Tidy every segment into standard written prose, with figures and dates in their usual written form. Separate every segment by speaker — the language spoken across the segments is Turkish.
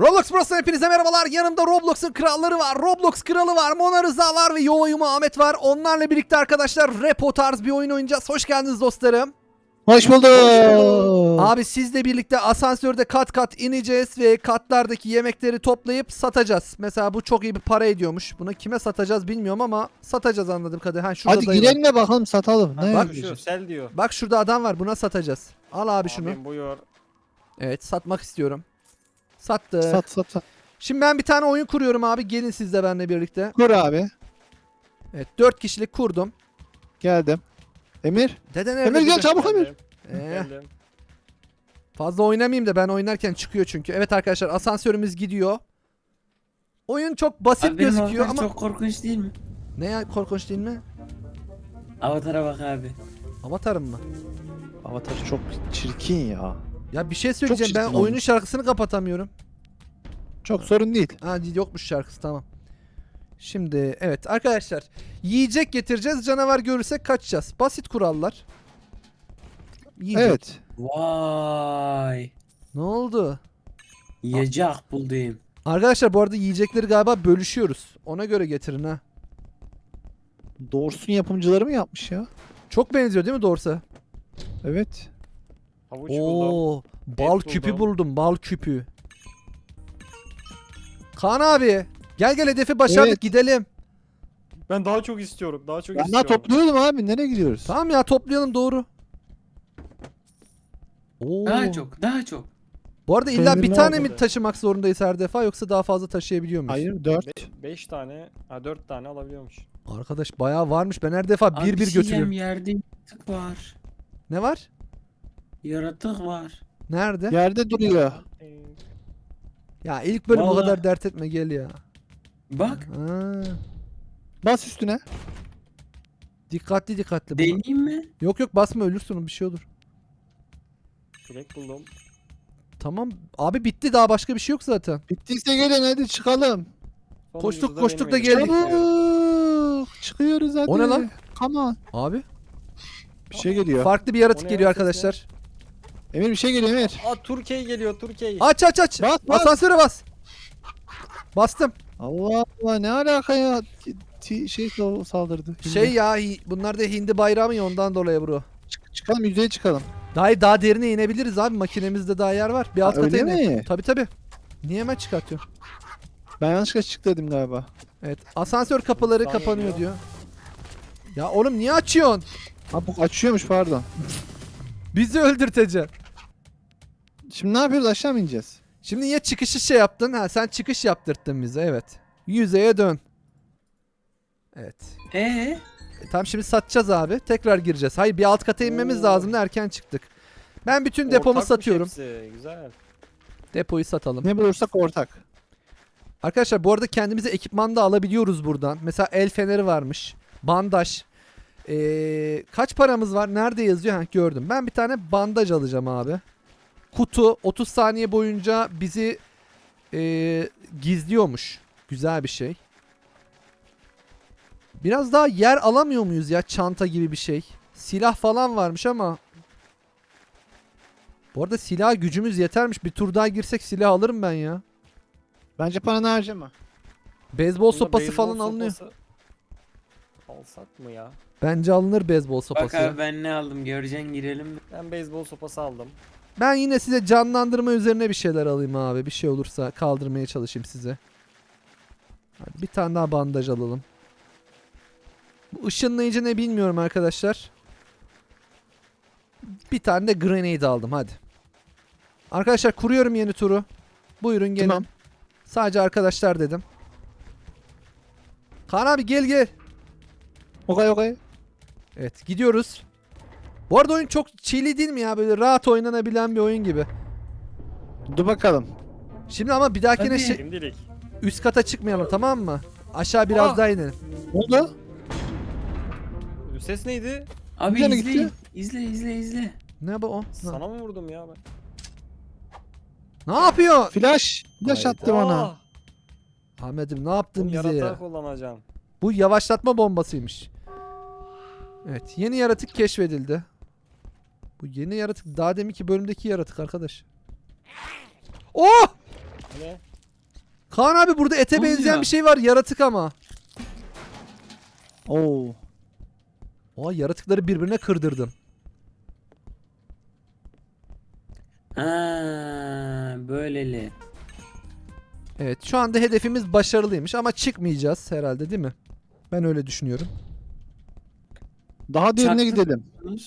Speaker 1: Roblox Bros'tan hepinize merhabalar. Yanımda Roblox'un kralları var. Roblox kralı var. Mona Rıza var ve Yolayuma Ahmet var. Onlarla birlikte arkadaşlar repo tarz bir oyun oynayacağız. Hoş geldiniz dostlarım.
Speaker 2: Hoş bulduk.
Speaker 1: Abi sizle birlikte asansörde kat kat ineceğiz ve katlardaki yemekleri toplayıp satacağız. Mesela bu çok iyi bir para ediyormuş. Bunu kime satacağız bilmiyorum ama satacağız anladığım kadarıyla. Ha, şurada
Speaker 2: Hadi
Speaker 1: dayı var.
Speaker 2: girelim de bakalım satalım. Ne
Speaker 1: bak
Speaker 2: yapacağız?
Speaker 3: Sel diyor.
Speaker 1: Bak şurada adam var. Buna satacağız. Al abi şunu.
Speaker 3: Abim buyur.
Speaker 1: Evet, satmak istiyorum. Sattık.
Speaker 2: Sat.
Speaker 1: Şimdi ben bir tane oyun kuruyorum abi. Gelin siz de benimle birlikte.
Speaker 2: Kur abi.
Speaker 1: Evet, 4 kişilik kurdum.
Speaker 2: Geldim. Emir.
Speaker 1: Dede nerede?
Speaker 2: Emir gel
Speaker 1: dede?
Speaker 2: çabuk Emir.
Speaker 3: Geldim.
Speaker 1: Fazla oynamayayım da ben oynarken çıkıyor çünkü. Evet arkadaşlar, asansörümüz gidiyor. Oyun çok basit
Speaker 4: Abi benim
Speaker 1: gözüküyor
Speaker 4: avatar
Speaker 1: ama...
Speaker 4: çok korkunç değil mi?
Speaker 1: Ne ya, korkunç değil mi?
Speaker 4: Avatara bak abi.
Speaker 1: Avatarım mı?
Speaker 2: Avatar çok çirkin ya.
Speaker 1: Ya bir şey söyleyeceğim, ben
Speaker 2: çirkin
Speaker 1: oyunun
Speaker 2: olmuş.
Speaker 1: şarkısını kapatamıyorum.
Speaker 2: Çok sorun değil.
Speaker 1: Ha, yokmuş şarkısı, tamam. Şimdi evet arkadaşlar, yiyecek getireceğiz, canavar görürsek kaçacağız. Basit kurallar. Yiyecek.
Speaker 2: Evet.
Speaker 4: Vay.
Speaker 1: Ne oldu?
Speaker 4: Yiyecek buldum.
Speaker 1: Arkadaşlar bu arada yiyecekleri galiba bölüşüyoruz. Ona göre getirin ha.
Speaker 2: Doğrusun yapımcıları mı yapmış ya?
Speaker 1: Çok benziyor değil mi doğrusu?
Speaker 2: Evet.
Speaker 3: Havuç buldum.
Speaker 1: Oo, bal
Speaker 3: Et
Speaker 1: küpü
Speaker 3: buldum.
Speaker 1: buldum, bal küpü. Kaan abi, gel hedefi başardık,
Speaker 2: Evet.
Speaker 1: gidelim.
Speaker 3: Ben daha çok istiyorum. Daha çok
Speaker 2: Ben daha
Speaker 3: istiyorum.
Speaker 2: topluyordum abi. Nereye gidiyoruz?
Speaker 1: Tamam ya, toplayalım, doğru. Oo.
Speaker 4: Daha çok.
Speaker 1: Bu arada illa
Speaker 2: Benzin
Speaker 1: bir
Speaker 2: ne
Speaker 1: tane
Speaker 3: oldu?
Speaker 1: mi taşımak zorundayız her defa, yoksa daha fazla taşıyabiliyor muyuz?
Speaker 2: Hayır 4.
Speaker 3: 5 tane, 4 tane alabiliyormuş.
Speaker 1: Arkadaş bayağı varmış, ben her defa
Speaker 4: Abi
Speaker 1: bir
Speaker 4: şey
Speaker 1: götürüyorum.
Speaker 4: yerde yaratık var.
Speaker 1: Ne var?
Speaker 4: Yaratık var.
Speaker 1: Nerede?
Speaker 2: Yerde duruyor.
Speaker 1: Ya ilk bölüm o
Speaker 4: Vallahi.
Speaker 1: kadar dert etme, gel ya.
Speaker 4: Bak.
Speaker 1: Ha,
Speaker 2: Bas üstüne.
Speaker 1: dikkatli. Bu-
Speaker 4: Deneyeyim mi?
Speaker 1: Yok basma, ölürsün, bir şey olur.
Speaker 3: Direkt buldum.
Speaker 1: Tamam abi, bitti, daha başka bir şey yok zaten.
Speaker 2: Bittiyse gelin hadi çıkalım.
Speaker 1: Koştuk,
Speaker 3: Sonuncusu
Speaker 1: koştuk
Speaker 3: benim
Speaker 1: da
Speaker 3: elimde.
Speaker 1: geldik.
Speaker 2: Çabuk. Çıkıyoruz hadi.
Speaker 1: O ne lan?
Speaker 2: Come on.
Speaker 1: Abi
Speaker 2: Bir şey geliyor.
Speaker 1: farklı bir yaratık
Speaker 3: O ne
Speaker 1: geliyor
Speaker 3: ya, ses
Speaker 1: arkadaşlar.
Speaker 2: Emir bir şey geliyor Emir.
Speaker 3: Aa, Türkiye geliyor, Türkiye.
Speaker 1: Aç.
Speaker 2: Bas.
Speaker 1: Asansöre bas. Bastım.
Speaker 2: Allah Allah ne alaka ya? Saldırdı.
Speaker 1: Şey ya, bunlar da hindi bayrağı mı ya, ondan dolayı bro.
Speaker 2: Çıkalım yüzeye çıkalım.
Speaker 1: Daha derine inebiliriz abi, makinemizde daha yer var. Bir alt kata
Speaker 2: Öyle
Speaker 1: inelim.
Speaker 2: mi?
Speaker 1: Tabii. Niye hemen çıkartıyorsun?
Speaker 2: Ben yanlışlıkla çık dedim galiba.
Speaker 1: Evet, asansör kapıları
Speaker 3: Buradan
Speaker 1: kapanıyor
Speaker 3: geliyor.
Speaker 1: diyor. Ya oğlum niye açıyorsun?
Speaker 2: Ha bu açıyormuş pardon.
Speaker 1: Bizi öldürteceksin.
Speaker 2: Şimdi ne yapıyoruz aşağı mı ineceğiz?
Speaker 1: Şimdi niye çıkışı şey yaptın? Ha, sen çıkış yaptırttın bize, evet. Yüzeye dön. Evet. Tamam, şimdi satacağız abi. Tekrar gireceğiz. Hayır, bir alt kata inmemiz
Speaker 3: Oo.
Speaker 1: lazım da erken çıktık. Ben bütün depomu
Speaker 3: Ortakmış
Speaker 1: satıyorum.
Speaker 3: hepsi, güzel.
Speaker 1: Depoyu satalım.
Speaker 2: Ne bulursak ortak.
Speaker 1: Arkadaşlar bu arada kendimize ekipman da alabiliyoruz buradan. Mesela el feneri varmış. Bandaj. Kaç paramız var? Nerede yazıyor? Ha, gördüm. Ben bir tane bandaj alacağım abi. Kutu 30 saniye boyunca bizi gizliyormuş. Güzel bir şey. Biraz daha yer alamıyor muyuz ya? Çanta gibi bir şey. Silah falan varmış ama. Bu arada silah gücümüz yetermiş. Bir tur daha girsek silah alırım ben ya.
Speaker 2: Bence paranı harcama.
Speaker 1: Beyzbol
Speaker 3: Bunda
Speaker 1: sopası
Speaker 3: beyzbol
Speaker 1: falan alınıyor.
Speaker 3: sopası alsak mı ya?
Speaker 1: Bence alınır beyzbol
Speaker 4: Bak
Speaker 1: sopası. ya.
Speaker 4: abi ben ne aldım göreceksin girelim mi?
Speaker 3: Ben beyzbol sopası aldım.
Speaker 1: Ben yine size canlandırma üzerine bir şeyler alayım abi. Bir şey olursa kaldırmaya çalışayım size. Hadi bir tane daha bandaj alalım. Bu ışınlayıcı ne bilmiyorum arkadaşlar. Bir tane de grenade aldım, hadi. Arkadaşlar kuruyorum yeni turu. Buyurun gelin.
Speaker 2: Tamam.
Speaker 1: Sadece arkadaşlar dedim. Kaan abi gel.
Speaker 2: Okay.
Speaker 1: Evet, gidiyoruz. Bu arada oyun çok chilly değil mi ya? Böyle rahat oynanabilen bir oyun gibi.
Speaker 2: Dur bakalım.
Speaker 1: Şimdi ama bir dahakine
Speaker 4: Hadi.
Speaker 3: Şimdilik.
Speaker 1: üst kata çıkmayalım, tamam mı? Aşağı biraz
Speaker 3: Aa!
Speaker 1: daha inelim.
Speaker 2: Ne oldu?
Speaker 3: Ses neydi?
Speaker 4: Abi
Speaker 2: Nereye
Speaker 4: izleyin.
Speaker 2: gitti?
Speaker 4: İzle.
Speaker 1: Ne bu o?
Speaker 3: Sana mı vurdum ya ben?
Speaker 1: Ne yapıyor?
Speaker 2: Flash
Speaker 1: Hayda.
Speaker 2: attı bana.
Speaker 3: Aa,
Speaker 1: Ahmet'im ne yaptın
Speaker 3: bunu
Speaker 1: bize
Speaker 3: yaratığa
Speaker 1: ya?
Speaker 3: kullanacağım.
Speaker 1: Bu yavaşlatma bombasıymış. Evet, yeni yaratık keşfedildi. Bu yeni yaratık daha deminki bölümdeki yaratık arkadaş. Oh!
Speaker 3: Ne?
Speaker 1: Kaan abi burada ete
Speaker 4: Ne
Speaker 1: benzeyen
Speaker 4: oluyor?
Speaker 1: bir şey var. Yaratık ama.
Speaker 2: Oo.
Speaker 1: Oha, yaratıkları birbirine kırdırdım.
Speaker 4: Ha, böyleli.
Speaker 1: Evet, şu anda hedefimiz başarılıymış ama çıkmayacağız herhalde, değil mi? Ben öyle düşünüyorum.
Speaker 2: Daha derine
Speaker 4: Çaktın.
Speaker 2: gidelim.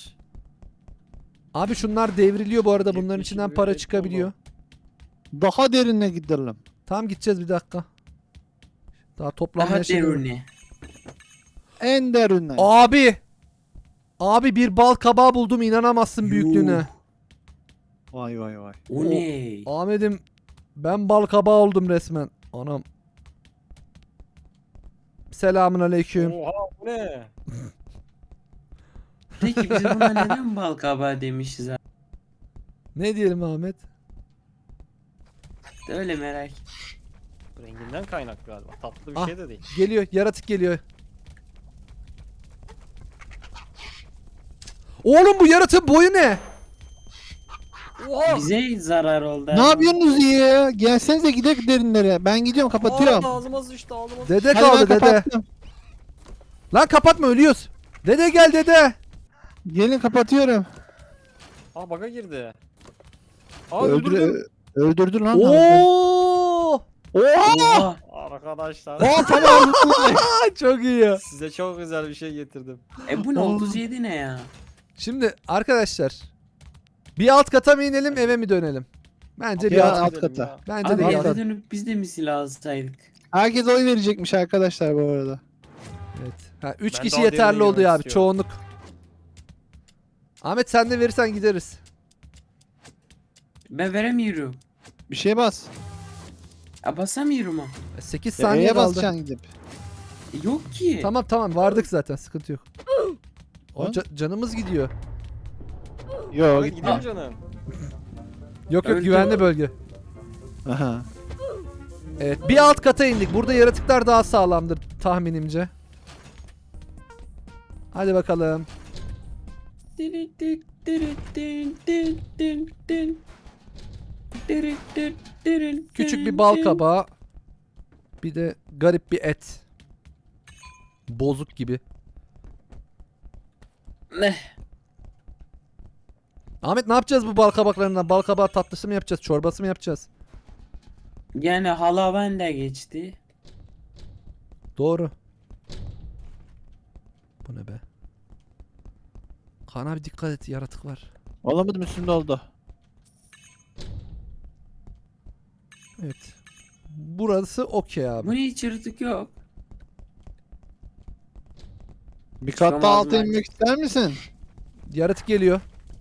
Speaker 1: Abi şunlar devriliyor bu arada. Bunların
Speaker 3: Yetmiş
Speaker 1: içinden
Speaker 3: bir
Speaker 1: para
Speaker 3: et
Speaker 1: çıkabiliyor.
Speaker 2: Daha derine gidelim.
Speaker 1: Tamam, gideceğiz, bir dakika. Daha toplanmaya
Speaker 4: Daha
Speaker 1: şey yok.
Speaker 4: deruni.
Speaker 2: En derine.
Speaker 1: Abi! Abi bir bal kabağı buldum, inanamazsın büyüklüğüne.
Speaker 2: Vay vay vay.
Speaker 4: O ne?
Speaker 1: Ahmet'im, ben bal kabağı oldum resmen. Anam. Selamun aleyküm.
Speaker 3: Oha bu ne?
Speaker 4: Peki biz buna neden bal kabağı demişiz abi?
Speaker 1: Ne diyelim Ahmet?
Speaker 4: Öyle merak.
Speaker 3: Renginden kaynaklı galiba. Tatlı bir
Speaker 1: Ah.
Speaker 3: şey de değil.
Speaker 1: Geliyor, yaratık geliyor. Oğlum bu yaratığın boyu ne?
Speaker 3: Oha!
Speaker 4: Bize zarar oldu.
Speaker 2: Ne yapıyorsunuz ya? Gelsenize gidelim derinlere. Ben gidiyorum, kapatıyorum.
Speaker 3: Ağzıma sıçtı ağzıma sıçtı.
Speaker 1: Dede
Speaker 2: Hadi
Speaker 1: kaldı,
Speaker 2: ben
Speaker 1: dede.
Speaker 2: kapattım.
Speaker 1: Lan kapatma, ölüyoruz. Dede gel dede.
Speaker 2: Gelin kapatıyorum.
Speaker 3: Aa baka girdi. Aa öldürdüm.
Speaker 2: Öldürdü lan.
Speaker 1: Oo!
Speaker 2: Oha!
Speaker 4: Oha.
Speaker 3: Arkadaşlar.
Speaker 2: Oha tamam.
Speaker 1: Çok iyi ya.
Speaker 3: Size çok güzel bir şey getirdim.
Speaker 4: Bu ne,
Speaker 2: Oğlum.
Speaker 4: 37 ne ya?
Speaker 1: Şimdi arkadaşlar, bir alt kata mı inelim, eve mi dönelim? Bence bir
Speaker 2: Ya,
Speaker 1: alt.
Speaker 2: alt
Speaker 3: Gidelim
Speaker 2: kata.
Speaker 3: ya.
Speaker 1: Bence
Speaker 4: Abi
Speaker 1: de bir
Speaker 4: eve
Speaker 1: alt.
Speaker 4: dönüp biz de mi silah alsaydık?
Speaker 2: Herkes oy verecekmiş arkadaşlar bu arada.
Speaker 1: Evet. Ha, 3
Speaker 3: Ben
Speaker 1: kişi
Speaker 3: daha
Speaker 1: yeterli
Speaker 3: derine
Speaker 1: oldu
Speaker 3: girmek
Speaker 1: ya abi,
Speaker 3: istiyorum.
Speaker 1: çoğunluk. Ahmet sen de verirsen gideriz.
Speaker 4: Ben veremiyorum.
Speaker 2: Bir şeye bas.
Speaker 4: Basamıyorum ama.
Speaker 1: 8 saniye
Speaker 2: E'ye
Speaker 1: kaldı.
Speaker 2: basacaksın gidip.
Speaker 4: Yok ki.
Speaker 1: Tamam tamam, vardık zaten, sıkıntı yok. O
Speaker 2: Ha?
Speaker 1: Canımız gidiyor.
Speaker 2: Yok
Speaker 3: Hadi
Speaker 2: gitme.
Speaker 3: gidelim canım.
Speaker 1: Yok yok,
Speaker 4: Öldü.
Speaker 1: güvenli bölge.
Speaker 2: Aha.
Speaker 1: Evet, bir alt kata indik. Burada yaratıklar daha sağlamdır tahminimce. Hadi bakalım. Küçük bir bal kabağı. Bir de garip bir et. Bozuk gibi.
Speaker 4: Ne?
Speaker 1: Ahmet ne yapacağız bu bal kabaklarından? Bal kabağı tatlısı mı yapacağız? Çorbası mı yapacağız?
Speaker 4: Yani hala ben de geçti.
Speaker 1: Doğru. Bu ne be? Kaan abi dikkat et, yaratık var.
Speaker 2: Olamadım, üstünde oldu.
Speaker 1: Evet. Burası okey abi.
Speaker 4: Bu ne, hiç yırtık yok.
Speaker 2: Bir kat daha
Speaker 4: Çıkamaz
Speaker 2: alta
Speaker 4: bence.
Speaker 2: inmek ister misin?
Speaker 1: Yaratık geliyor.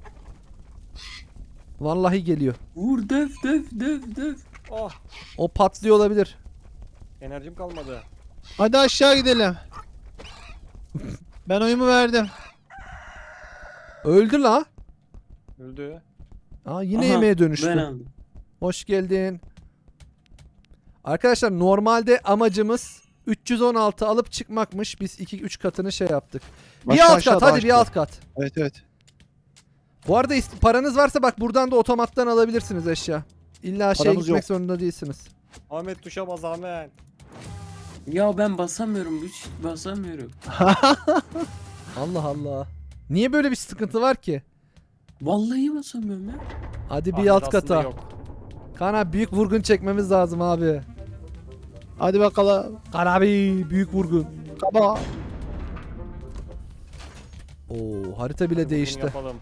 Speaker 1: Vallahi geliyor.
Speaker 4: Vur, döv döv döv döv.
Speaker 3: Oh
Speaker 1: O patlıyor olabilir.
Speaker 3: enerjim kalmadı.
Speaker 2: Hadi aşağı gidelim. Ben oyumu verdim.
Speaker 1: Öldü la.
Speaker 3: Öldü.
Speaker 1: Aa, yine
Speaker 4: Aha,
Speaker 1: yemeğe
Speaker 4: Ben
Speaker 1: dönüştü.
Speaker 4: aldım.
Speaker 1: Hoş geldin. Arkadaşlar normalde amacımız 316 alıp çıkmakmış. Biz 2-3 katını şey yaptık. Bir
Speaker 2: Başka
Speaker 1: alt
Speaker 2: aşağı,
Speaker 1: kat,
Speaker 2: daha
Speaker 1: hadi bir
Speaker 2: aşağı.
Speaker 1: alt kat.
Speaker 2: Evet evet.
Speaker 1: Bu arada paranız varsa bak buradan da otomattan alabilirsiniz eşya. İlla şeye
Speaker 2: Paramız
Speaker 1: gitmek
Speaker 2: yok.
Speaker 1: zorunda değilsiniz.
Speaker 3: Ahmet tuşa bas Ahmet.
Speaker 4: Ya ben basamıyorum. Hiç basamıyorum.
Speaker 1: Allah Allah. Niye böyle bir sıkıntı var ki?
Speaker 4: Vallahi basamıyorum ya.
Speaker 1: Hadi bir
Speaker 3: Ahmet
Speaker 1: alt
Speaker 3: aslında
Speaker 1: kata.
Speaker 3: yok.
Speaker 1: Kaan abi büyük vurgun çekmemiz lazım abi.
Speaker 2: Hadi bakalım.
Speaker 1: Kaan abi büyük vurgun.
Speaker 2: Kaba.
Speaker 1: Oo, harita bile
Speaker 3: Bunu
Speaker 1: değişti.
Speaker 3: yapalım.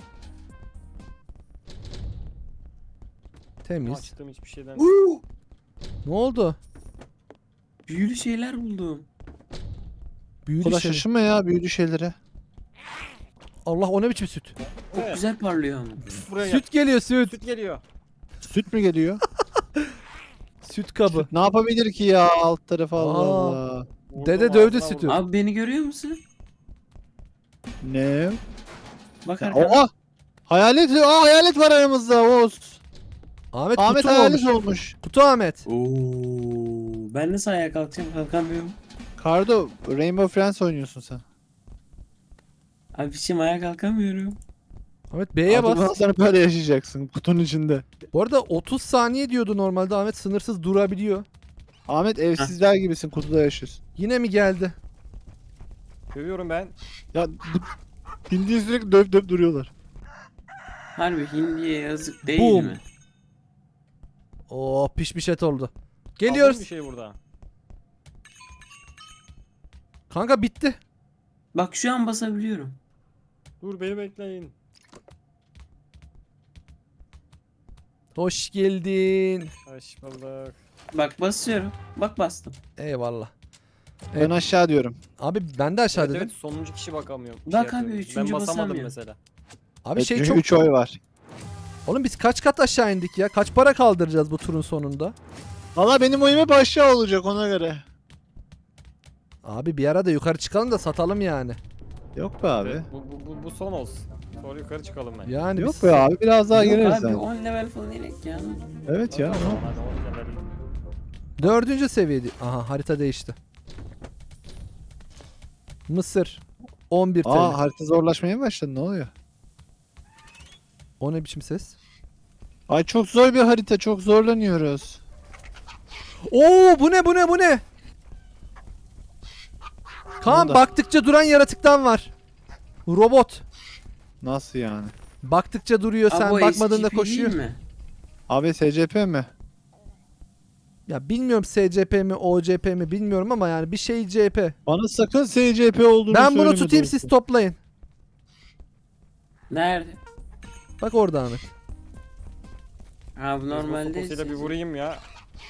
Speaker 1: Temiz.
Speaker 3: Açtığım hiçbir şeyden.
Speaker 1: Ne oldu?
Speaker 4: Büyülü şeyler buldum.
Speaker 1: Büyülü
Speaker 2: Kola
Speaker 1: şey.
Speaker 2: şaşırma ya büyülü şeylere.
Speaker 1: Allah, o ne biçim süt?
Speaker 4: Çok
Speaker 3: Evet.
Speaker 4: güzel parlıyor ama.
Speaker 3: Buraya gel.
Speaker 1: Süt geliyor, süt.
Speaker 3: Süt geliyor.
Speaker 2: Süt mü geliyor?
Speaker 1: Süt kabı.
Speaker 2: Ne yapabilir ki ya alt tarafı, Allah
Speaker 1: Aa.
Speaker 2: Allah.
Speaker 3: Vurdum,
Speaker 1: Dede dövdü
Speaker 3: ağzına
Speaker 1: sütü.
Speaker 3: vurdum.
Speaker 4: Abi beni görüyor musun?
Speaker 2: Ne?
Speaker 4: Bak
Speaker 2: Ya,
Speaker 4: arkada.
Speaker 2: oha! Hayalet, hayalet var aramızda Oğuz.
Speaker 1: Ahmet,
Speaker 2: Ahmet
Speaker 1: kutu mu
Speaker 2: hayalet
Speaker 1: olmuş?
Speaker 2: olmuş.
Speaker 1: Kutu Ahmet.
Speaker 4: Oo, ben nasıl ayağa kalkacağım, kalkamıyorum.
Speaker 2: Kardo, Rainbow Friends oynuyorsun sen.
Speaker 4: Abi şimdi ayağa kalkamıyorum.
Speaker 1: Ahmet B'ye
Speaker 2: Artık bundan
Speaker 1: bas.
Speaker 2: sonra böyle yaşayacaksın kutunun içinde.
Speaker 1: Bu arada 30 saniye diyordu normalde, Ahmet sınırsız durabiliyor.
Speaker 2: Ahmet evsizler gibisin, kutuda yaşıyorsun.
Speaker 1: Yine mi geldi?
Speaker 3: Dövüyorum ben.
Speaker 2: Ya bildiğin sürekli döv duruyorlar.
Speaker 4: Harbi hindiye yazık değil
Speaker 1: Boom.
Speaker 4: mi?
Speaker 1: Oo pişmiş et oldu.
Speaker 3: Aldın mı
Speaker 1: Geliyoruz.
Speaker 3: bir şey burada.
Speaker 1: Kanka bitti.
Speaker 4: Bak şu an basabiliyorum.
Speaker 3: Dur beni bekleyin.
Speaker 1: Hoş geldin.
Speaker 3: Hoş bulduk.
Speaker 4: Bak basıyorum. Bak bastım.
Speaker 1: Eyvallah.
Speaker 2: Ben aşağı diyorum.
Speaker 1: Abi ben de aşağı
Speaker 3: Evet,
Speaker 1: dedim.
Speaker 3: evet sonuncu kişi bakamıyor.
Speaker 4: Bak abi,
Speaker 3: yapıyor.
Speaker 4: üçüncü
Speaker 3: Ben basamadım
Speaker 4: basamıyor.
Speaker 3: mesela.
Speaker 1: Abi şey
Speaker 2: çünkü
Speaker 1: çok...
Speaker 2: 3 oy var.
Speaker 1: Oğlum biz kaç kat aşağı indik ya? Kaç para kaldıracağız bu turun sonunda?
Speaker 2: Valla benim oyum hep aşağı olacak ona göre.
Speaker 1: Abi bir ara da yukarı çıkalım da satalım yani.
Speaker 2: Yok be abi.
Speaker 3: Evet, bu son olsun. Sonra yukarı çıkalım ben.
Speaker 1: Yani
Speaker 2: Yok
Speaker 1: biz...
Speaker 2: be abi, biraz daha
Speaker 4: Yok
Speaker 2: gireriz
Speaker 4: abi
Speaker 2: yani.
Speaker 4: 10 level falan inek ya.
Speaker 2: Evet ya.
Speaker 3: Hadi o zaman, hadi on level.
Speaker 1: 4. seviyede. Aha harita değişti. Mısır. 11 TL.
Speaker 2: Aa, harita zorlaşmaya mı başladı, ne oluyor?
Speaker 1: O ne biçim ses?
Speaker 2: Ay çok zor bir harita, çok zorlanıyoruz.
Speaker 1: Oo bu ne bu ne bu ne? Kaan
Speaker 2: Bunda.
Speaker 1: baktıkça duran yaratıktan var. Robot.
Speaker 2: Nasıl yani?
Speaker 1: Baktıkça duruyor sen
Speaker 4: Abi o
Speaker 1: bakmadığında
Speaker 4: SCP değil
Speaker 1: koşuyor.
Speaker 4: mi?
Speaker 2: Abi SCP mi?
Speaker 1: Ya bilmiyorum SCP mi OCP mi bilmiyorum ama yani bir şey CP.
Speaker 2: Bana sakın SCP olduğunu
Speaker 1: Ben
Speaker 2: söyleme
Speaker 1: bunu tutayım
Speaker 2: dostum.
Speaker 1: siz toplayın.
Speaker 4: Nerede?
Speaker 1: Bak orada Ahmet.
Speaker 4: Ha bu normalde
Speaker 3: Poposuyla bir vurayım ya.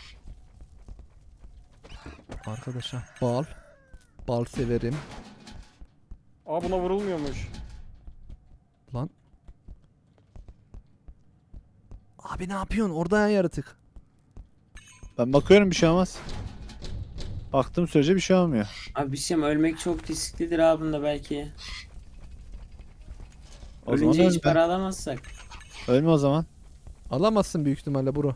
Speaker 1: Arkadaşa bal. Bal severim.
Speaker 3: Aa buna vurulmuyormuş.
Speaker 1: Lan. Abi ne yapıyorsun? Orada yan yaratık.
Speaker 2: Ben bakıyorum, bir şey olmaz. Baktığım sürece bir şey olmuyor.
Speaker 4: Abi bir şey mi? Ölmek çok risklidir abi bunda belki.
Speaker 2: O zaman
Speaker 4: Ölünce hiç
Speaker 2: ölme.
Speaker 4: para alamazsak.
Speaker 2: Ölme o zaman.
Speaker 1: Alamazsın büyük ihtimalle bro.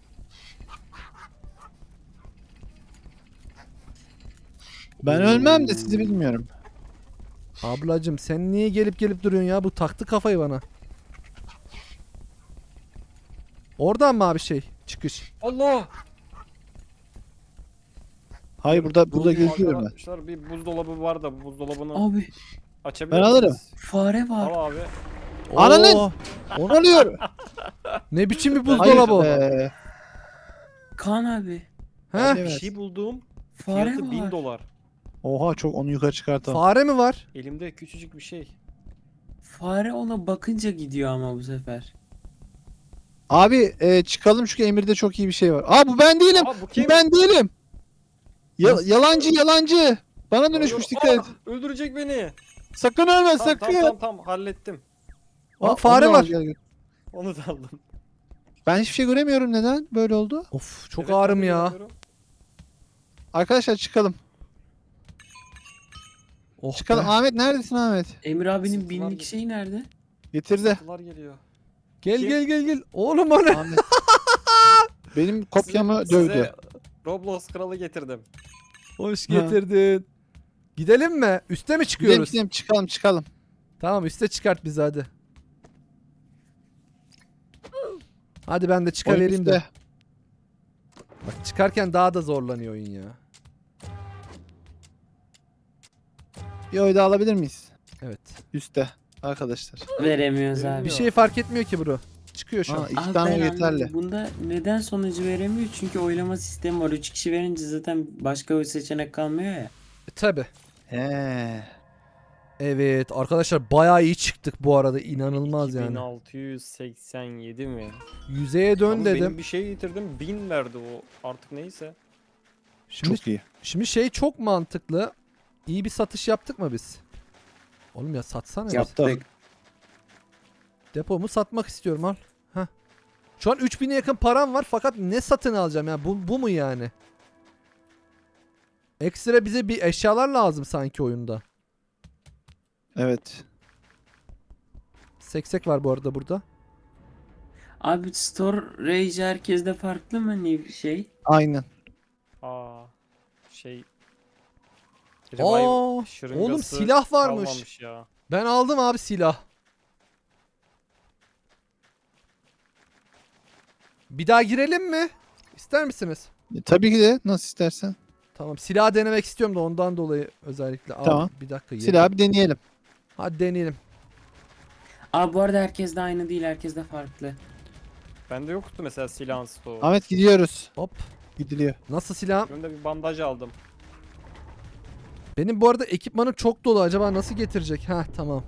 Speaker 2: Ben ölmem de sizi bilmiyorum.
Speaker 1: Ablacım sen niye gelip gelip duruyorsun ya? Bu taktı kafayı bana. Oradan mı abi şey? Çıkış.
Speaker 3: Allah!
Speaker 2: Hayır, burada geziyorum ben.
Speaker 3: Arkadaşlar bir buzdolabı var da bu buzdolabını
Speaker 4: Abi
Speaker 3: açabilir
Speaker 2: Ben alırım.
Speaker 3: miyiz?
Speaker 4: fare var.
Speaker 3: Al abi.
Speaker 2: Ananın!
Speaker 1: Oo,
Speaker 2: Ne oluyor?
Speaker 1: ne biçim bir
Speaker 2: Hayır
Speaker 1: buzdolabı o?
Speaker 2: be.
Speaker 4: Kaan abi.
Speaker 1: He?
Speaker 3: Bir
Speaker 2: Evet.
Speaker 3: şey buldum.
Speaker 4: Fare
Speaker 3: Fiyatı
Speaker 4: var.
Speaker 3: 1000 dolar.
Speaker 2: Oha, çok, onu yukarı çıkartalım.
Speaker 1: Fare mi var?
Speaker 3: Elimde küçücük bir şey.
Speaker 4: Fare ona bakınca gidiyor ama bu sefer.
Speaker 2: Abi çıkalım çünkü Emir'de çok iyi bir şey var. Aa, bu ben değilim.
Speaker 3: Aa bu
Speaker 2: Bu
Speaker 3: kim?
Speaker 2: ben değilim. Yalancı. Bana dönüşmüş, dikkat et.
Speaker 3: Öldürecek beni.
Speaker 2: Sakın ölme,
Speaker 3: Tamam,
Speaker 2: sakın.
Speaker 3: tamam hallettim.
Speaker 1: Aa, fare
Speaker 2: onu da al,
Speaker 1: var.
Speaker 2: gel.
Speaker 3: Onu da aldım.
Speaker 2: Ben hiçbir şey göremiyorum, neden böyle oldu?
Speaker 1: Of çok
Speaker 3: Evet,
Speaker 1: ağrım
Speaker 3: ben de
Speaker 1: ya.
Speaker 3: görüyorum.
Speaker 2: Arkadaşlar çıkalım.
Speaker 1: Oh
Speaker 2: Çıkalım.
Speaker 1: be.
Speaker 2: Ahmet neredesin Ahmet?
Speaker 4: Emir abinin
Speaker 3: Sırtılar
Speaker 4: binlik
Speaker 3: gidiyor.
Speaker 4: şey nerede?
Speaker 2: Getirdi.
Speaker 3: Sıkıntılar geliyor.
Speaker 1: Gel
Speaker 3: Kim?
Speaker 1: gel. Oğlum o ne?
Speaker 2: Ahmet. Benim kopyamı
Speaker 3: Size
Speaker 2: dövdü.
Speaker 3: Roblox kralı getirdim.
Speaker 1: Hoş
Speaker 2: Ha.
Speaker 1: getirdin. Gidelim mi? Üste mi çıkıyoruz?
Speaker 2: Gidelim, çıkalım.
Speaker 1: Tamam üste çıkart bizi hadi. Hadi ben de
Speaker 2: Oyun
Speaker 1: çıkavereyim de.
Speaker 2: üstte.
Speaker 1: Bak çıkarken daha da zorlanıyor oyun ya.
Speaker 2: Bir oy daha alabilir miyiz?
Speaker 1: Evet.
Speaker 2: Üste arkadaşlar.
Speaker 4: Veremiyoruz abi.
Speaker 1: Bir şey fark etmiyor ki bro. Çıkıyor şu an.
Speaker 2: Aa, iki
Speaker 4: Abi
Speaker 2: tane
Speaker 4: ben
Speaker 2: oy yeterli.
Speaker 4: anladım. Bunda neden sonucu veremiyor? Çünkü oylama sistemi var. 3 kişi verince zaten başka bir seçenek kalmıyor ya.
Speaker 1: Tabi.
Speaker 2: He.
Speaker 1: Evet arkadaşlar bayağı iyi çıktık bu arada inanılmaz yani.
Speaker 3: 2687 mi?
Speaker 1: Yüzeye dön
Speaker 3: Oğlum
Speaker 1: dedim.
Speaker 3: Benim bir şey getirdim 1000 verdi o artık neyse.
Speaker 1: Şimdi,
Speaker 2: Çok iyi.
Speaker 1: şimdi şey çok mantıklı. İyi bir satış yaptık mı biz? Oğlum ya satsana. ya.
Speaker 2: Yaptık.
Speaker 1: Depomu satmak istiyorum al. Heh. Şu an 3000'e yakın param var fakat ne satın alacağım ya bu mu yani? Ekstra bize bir eşyalar lazım sanki oyunda.
Speaker 2: Evet.
Speaker 1: Seksek var bu arada burada.
Speaker 4: Abi storage herkeste farklı mı şey?
Speaker 2: Aynen.
Speaker 3: Aa şey
Speaker 1: Aa,
Speaker 3: şırıngası
Speaker 1: oğlum silah varmış.
Speaker 3: kalmamış ya.
Speaker 1: Ben aldım abi silah. Bir daha girelim mi? İster misiniz?
Speaker 2: Tabii ki de nasıl istersen.
Speaker 1: Tamam, silah denemek istiyorum da ondan dolayı özellikle. Aa,
Speaker 2: Tamam.
Speaker 1: bir dakika.
Speaker 2: Silahı bir deneyelim.
Speaker 1: Hadi deneyelim.
Speaker 4: Abi bu arada herkes de aynı değil. Herkes de farklı.
Speaker 3: Bende yoktu mesela silahın stoğu.
Speaker 2: Ahmet gidiyoruz.
Speaker 1: Hop.
Speaker 2: Gidiliyor.
Speaker 1: Nasıl silahım?
Speaker 3: Önümde bir bandaj aldım.
Speaker 1: Benim bu arada ekipmanım çok dolu. Acaba nasıl getirecek? Heh, tamam.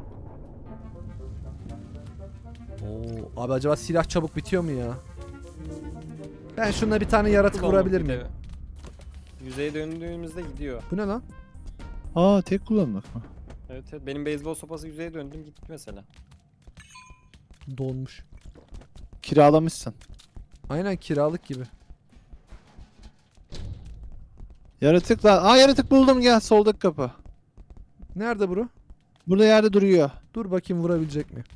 Speaker 1: Oo, abi acaba silah çabuk bitiyor mu ya? Ben şuna bir tane yaratık
Speaker 3: Kullandım
Speaker 1: vurabilir
Speaker 3: bir
Speaker 1: miyim?
Speaker 3: de. Yüzeye döndüğümüzde gidiyor.
Speaker 1: Bu ne lan?
Speaker 2: Aa tek kullanmak mı?
Speaker 3: Evet, evet. Benim beyzbol sopası yüzeye döndüm gitti mesela.
Speaker 1: Donmuş.
Speaker 2: Kiralamışsın.
Speaker 1: Aynen kiralık gibi.
Speaker 2: Yaratıklar. Aa yaratık buldum, gel soldaki kapı.
Speaker 1: Nerede bro?
Speaker 2: Burada yerde duruyor.
Speaker 1: Dur bakayım vurabilecek mi?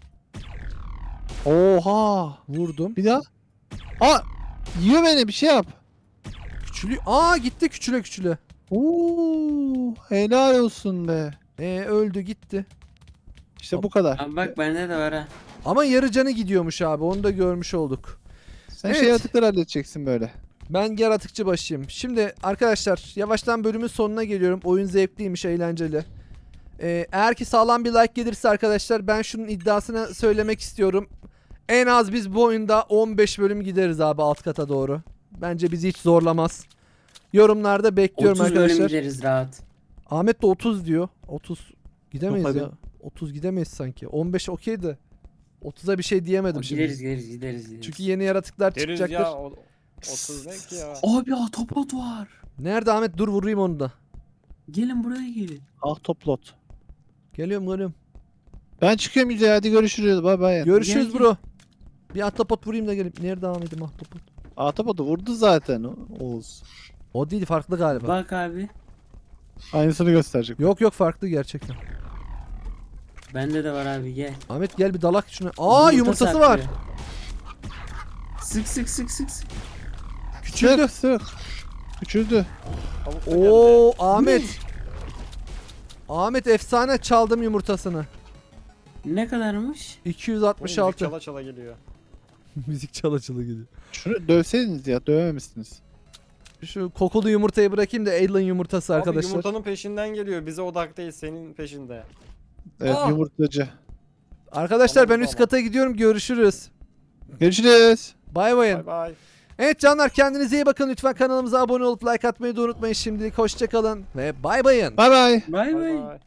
Speaker 2: Oha.
Speaker 1: Vurdum.
Speaker 2: Bir daha. Aa yiyor beni, bir şey yap.
Speaker 1: Küçülüyor. Aa gitti küçüle küçüle.
Speaker 2: Oo helal olsun be.
Speaker 1: Öldü gitti.
Speaker 2: İşte bu kadar.
Speaker 4: Abi bak bende de var ha.
Speaker 1: Ama yarı canı gidiyormuş abi. Onu da görmüş olduk.
Speaker 2: Sen
Speaker 1: Evet.
Speaker 2: şey yaratıkları halledeceksin böyle.
Speaker 1: Ben yaratıkçı başıyım. Şimdi arkadaşlar yavaştan bölümün sonuna geliyorum. Oyun zevkliymiş, eğlenceli. Eğer ki sağlam bir like gelirse arkadaşlar ben şunun iddiasını söylemek istiyorum. En az biz bu oyunda 15 bölüm gideriz abi alt kata doğru. Bence bizi hiç zorlamaz. Yorumlarda bekliyorum
Speaker 4: 30 bölüm
Speaker 1: arkadaşlar.
Speaker 4: gideriz rahat.
Speaker 1: Ahmet de 30 diyor. 30 gidemeyiz
Speaker 2: Yok
Speaker 1: ya. 30 gidemeyiz sanki. 15 okey de 30'a bir şey diyemedim şimdi.
Speaker 4: Gideriz.
Speaker 1: Çünkü yeni yaratıklar
Speaker 3: Deriz
Speaker 1: çıkacaktır.
Speaker 3: ya 30 ne ki ya.
Speaker 4: Abi Autobot var.
Speaker 1: Nerede Ahmet? Dur vurayım onu da.
Speaker 4: Gelin buraya gelin.
Speaker 2: Ah toplot.
Speaker 1: Geliyorum.
Speaker 2: Ben çıkıyorum yüzeye, hadi görüşürüz. Bay bay.
Speaker 1: Görüşürüz
Speaker 4: Gel,
Speaker 1: bro. Bir ahtapot vurayım da gelip. Nerede Ahmet'im ahtapot?
Speaker 2: Ahtapotu vurdu zaten Oğuz.
Speaker 1: O değil, farklı galiba.
Speaker 4: Bak abi.
Speaker 2: Aynısını gösterecek.
Speaker 1: Yok farklı gerçekten.
Speaker 4: Bende de var abi gel.
Speaker 1: Ahmet gel bir dalak şuna. Aa yumurtası var.
Speaker 4: saklıyor. Sık.
Speaker 1: Küçüldü.
Speaker 2: Sık. Küçüldü.
Speaker 3: Tavuk da geldi.
Speaker 1: Oo Ahmet. Ahmet efsane çaldım yumurtasını.
Speaker 4: Ne kadarmış?
Speaker 3: Müzik
Speaker 1: 266.
Speaker 3: Çala çala geliyor.
Speaker 1: Müzik çala gidiyor.
Speaker 2: Şunu dövseydiniz ya, dövememişsiniz.
Speaker 1: Şu kokulu yumurtayı bırakayım da alien yumurtası
Speaker 3: Abi
Speaker 1: arkadaşlar.
Speaker 3: yumurtanın peşinden geliyor. Bize odak değil, senin peşinde.
Speaker 2: Evet
Speaker 3: Aa!
Speaker 2: yumurtacı.
Speaker 1: Arkadaşlar ben
Speaker 3: Tamam,
Speaker 1: üst
Speaker 3: tamam.
Speaker 1: kata gidiyorum. Görüşürüz.
Speaker 2: Görüşürüz.
Speaker 1: Bay bayın.
Speaker 3: Bay bay.
Speaker 1: Evet canlar kendinize iyi bakın. Lütfen kanalımıza abone olup like atmayı da unutmayın. Şimdilik hoşçakalın ve bay bayın.
Speaker 2: Bay bay.
Speaker 4: Bay
Speaker 3: Bay
Speaker 4: bay.
Speaker 3: bay.